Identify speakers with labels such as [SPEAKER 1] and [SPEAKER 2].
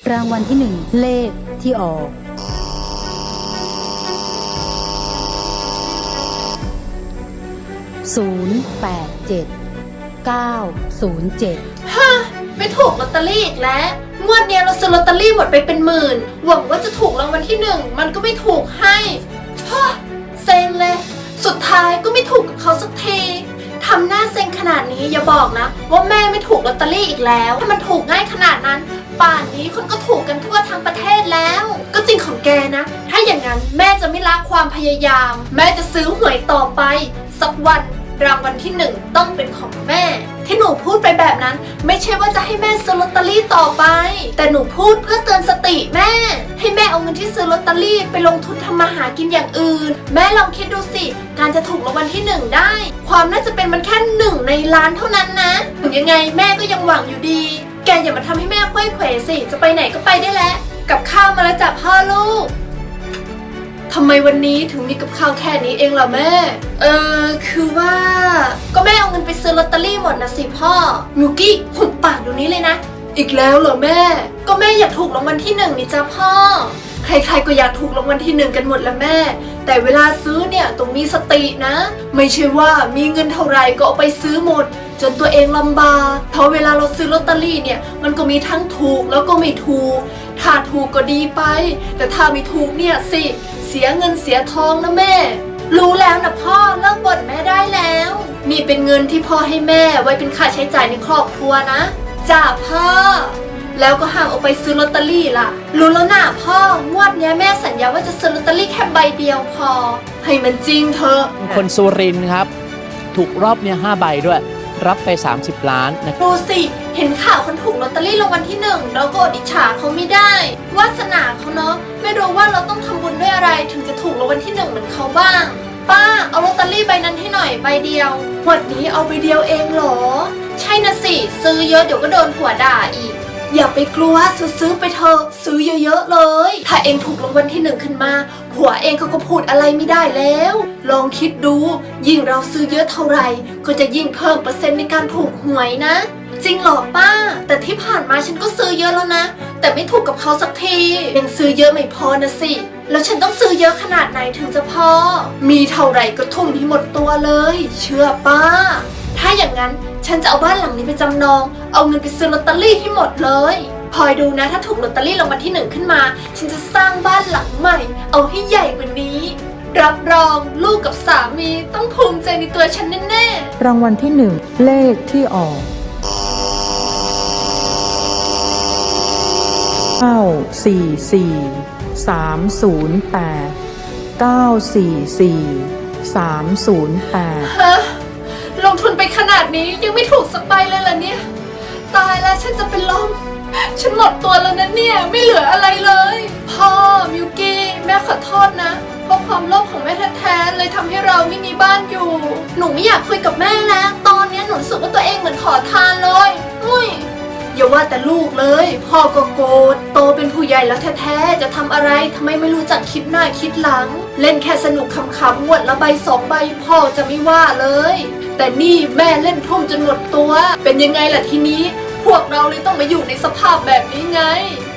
[SPEAKER 1] รางวัลที่หนึ่งเลขที่ออก087907
[SPEAKER 2] ฮะไม่ถูกลอตเตอรี่อีกแล้วงวดเนี้ยเราซื้อลอตเตอรี่หมดไปเป็นหมื่นหวังว่าจะถูกรางวัลที่หนึ่งมันก็ไม่ถูกให้ฮะเซ็งเลยสุดท้ายก็ไม่ถูกกับเขาสักทีทำหน้าเซ็งขนาดนี้อย่าบอกนะว่าแม่ไม่ถูกลอตเตอรี่อีกแล้วถ้ามันถูกง่ายขนาดนั้นป่านนี้คนก็ถูกกันทั่วทั้งประเทศแล้วก็จริงของแกนะถ้าอย่างนั้นแม่จะไม่ละความพยายามแม่จะซื้อหวยต่อไปสักวันรางวัลที่หนึ่งต้องเป็นของแม่ที่หนูพูดไปแบบนั้นไม่ใช่ว่าจะให้แม่ซื้อลอตเตอรี่ต่อไปแต่หนูพูดเพื่อเตือนสติแม่ให้แม่เอาเงินที่ซื้อลอตเตอรี่ไปลงทุนทำมาหากินอย่างอื่นแม่ลองคิดดูสิการจะถูกรางวัลที่หนึ่งได้ความน่าจะเป็นมันแค่1 ในล้านเท่านั้นนะถึงยังไงแม่ก็ยังหวังอยู่ดีแกอย่ามาทำให้แม่ค่อยเขวสิจะไปไหนก็ไปได้แล้วกับข้าวมาแล้วจ้ะพ่อลูกทำไมวันนี้ถึงมีกับข้าวแค่นี้เองล่ะแม่คือว่าก็แม่เอาเงินไปซื้อลอตเตอรี่หมดนะสิพ่อมิวกี้หุบปากเดี๋ยวนี้เลยนะอีกแล้วเหรอแม่ก็แม่อยากถูกรางวัลที่1นี่จ้ะพ่อใครๆก็อยากถูกรางวัลที่1กันหมดละแม่แต่เวลาซื้อเนี่ยต้องมีสตินะไม่ใช่ว่ามีเงินเท่าไหร่ก็เอาไปซื้อหมดจนตัวเองลำบากเพราะเวลาเราซื้อลอตเตอรี่เนี่ยมันก็มีทั้งถูกแล้วก็ไม่ถูกถ้าถูกก็ดีไปแต่ถ้าไม่ถูกเนี่ยสิเสียเงินเสียทองนะแม่รู้แล้วนะพ่อเลิกบ่นแม่ได้แล้วนี่เป็นเงินที่พ่อให้แม่ไว้เป็นค่าใช้จ่ายในครอบครัวนะจ้าพ่อแล้วก็ห้ามเอาไปซื้อลอตเตอรี่ล่ะรู้แล้วนะพ่องวดเนี้ยแม่สัญญาว่าจะซื้อลอตเตอรี่แค่ใบเดียวพอให้มันจริงเถอะ
[SPEAKER 3] คนสุรินทร์ครับถูกรอบเนี่ย5 ใบด้วยรับไป30 ล้านนะ
[SPEAKER 2] ดูสิเห็นข่าวคนถูกลอตเตอรี่รางวัลที่1เราก็อดอิจฉาเขาไม่ได้วาสนาเขาเนาะไม่รู้ว่าเราต้องทำบุญด้วยอะไรถึงจะถูกรางวัลที่1เหมือนเขาบ้างป้าเอาลอตเตอรี่ใบนั้นให้หน่อยใบเดียววันนี้เอาใบเดียวเองเหรอใช่นะสิซื้อเยอะเดี๋ยวก็โดนผัวด่าอีกอย่าไปกลัวซื้อไปเถอะซื้อเยอะๆเลยถ้าเองถูกรางวัลที่1ขึ้นมาผัวเองเขาก็พูดอะไรไม่ได้แล้วลองคิดดูยิ่งเราซื้อเยอะเท่าไหร่ก็จะยิ่งเพิ่มเปอร์เซ็นต์ในการถูกหวยนะจริงเหรอป้าแต่ที่ผ่านมาฉันก็ซื้อเยอะแล้วนะแต่ไม่ถูกกับเขาสักทียังซื้อเยอะไม่พอนะสิแล้วฉันต้องซื้อเยอะขนาดไหนถึงจะพอมีเท่าไหร่ก็ทุ่มให้หมดตัวเลยเชื่อป้าถ้าอย่างนั้นฉันจะเอาบ้านหลังนี้ไปจำนองเอาเงินไปซื้อลอตเตอรี่ให้หมดเลยคอยดูนะถ้าถูกลอตเตอรี่รางวัลที่1ขึ้นมาฉันจะสร้างบ้านหลังใหม่เอาให้ใหญ่กว่านี้รับรองลูกกับสามีต้องภูมิใจในตัวฉันแน่
[SPEAKER 1] ๆรางวัลที่หนึ่งเลขที่ออก
[SPEAKER 2] ฮะลงทุนไปขนาดนี้ยังไม่ถูกสักใบเลยเหรอเนี่ยตายแล้วฉันจะเป็นลมฉันหมดตัวแล้วนะเนี่ยไม่เหลืออะไรเลยพ่อมิวกี้แม่ขอโทษนะเพราะความโลภของแม่แท้ๆเลยทำให้เราไม่มีบ้านอยู่หนูไม่อยากคุยกับแม่แล้วตอนนี้หนูรู้สึกว่าตัวเองเหมือนขอทานเลยอย่าว่าแต่ลูกเลยพ่อก็โกรธโตเป็นผู้ใหญ่แล้วแท้ๆจะทำอะไรทำไมไม่รู้จักคิดหน้าคิดหลังเล่นแค่สนุกขำๆงวดละใบ2 ใบพ่อจะไม่ว่าเลยแต่นี่แม่เล่นทุ่มจนหมดตัวเป็นยังไงล่ะทีนี้พวกเราเลยต้องมาอยู่ในสภาพแบบนี้ไง